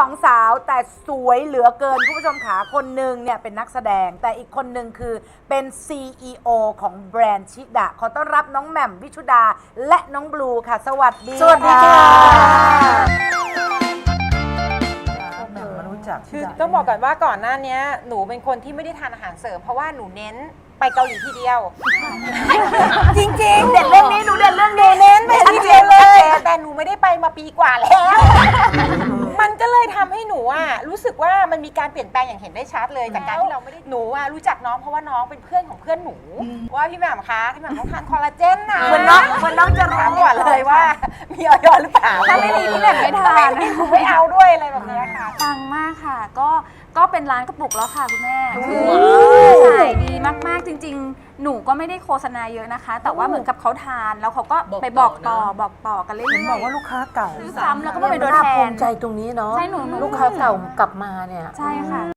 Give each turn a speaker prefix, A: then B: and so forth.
A: องสาวแต่สวยเหลือเกินคุณผู้ชมขาคนหนึ่งเนี่ยเป็นนักแสดงแต่อีกคนหนึ่งคือเป็น CEO ของแบรนด์ชิดะขอต้อนรับน้องแหม่มวิชุดาและน้องบลูค่ะสวัสดี
B: สวัสดีค่ะ
C: คือต้องบอกก่อนว่าก่อนหน้านี้หนูเป็นคนที่ไม่ได้ทานอาหารเสริมเพราะว่าหนูเน้นไปเกาหลีทีเดียว จริงๆ
A: เด็ดเรื่องนี้หนูเด็ดเรื่องนี้
C: เน้นไปทีเดียวเลยแต่หนูไม่ได้ไปมาปีกว่าแล้ว มันก็เลยทำให้หนูอ่ะรู้สึกว่ามันมีการเปลี่ยนแปลงอย่างเห็นได้ชัดเลยจากการที่เราไม่ได้หนูอ่ะรู้จักน้องเพราะว่าน้องเป็นเพื่อนของเพื่อนหนูว่าพี่แหม่มคะพี่แหม่มต้องทานคอลลาเจนนะ
A: เหมือนน้องจะรู้
C: ถามก่อนเลยว่ามีออยหรือเปล่า
D: ถ้าไม่มีพี่แหม่มไม่ทาน
C: ไม่เอาด้วยอะไรแบบนี้ค่ะ
D: ปังมากค่ะ ก็เป็นร้านกระปุกแล้วค่ะคุณแม่คือขายดีมากๆจริง ๆ หนูก็ไม่ได้โฆษณาเยอะนะคะ แต่ว่าเหมือนกับเขาทานแล้วเขาก็ไปบอกต่อกันเรื่อยๆ
B: บอกว่าลูกค้าเก่า
D: ซื้อซ้ำแล้วก็มาเป็นตัวแท
B: น่าภู
D: น
B: มิใจตรงนี้เนาะ
D: ใช่หนู
B: ลูกค้าเก่ากลับมาเนี่ย
D: ใช่ค่ะ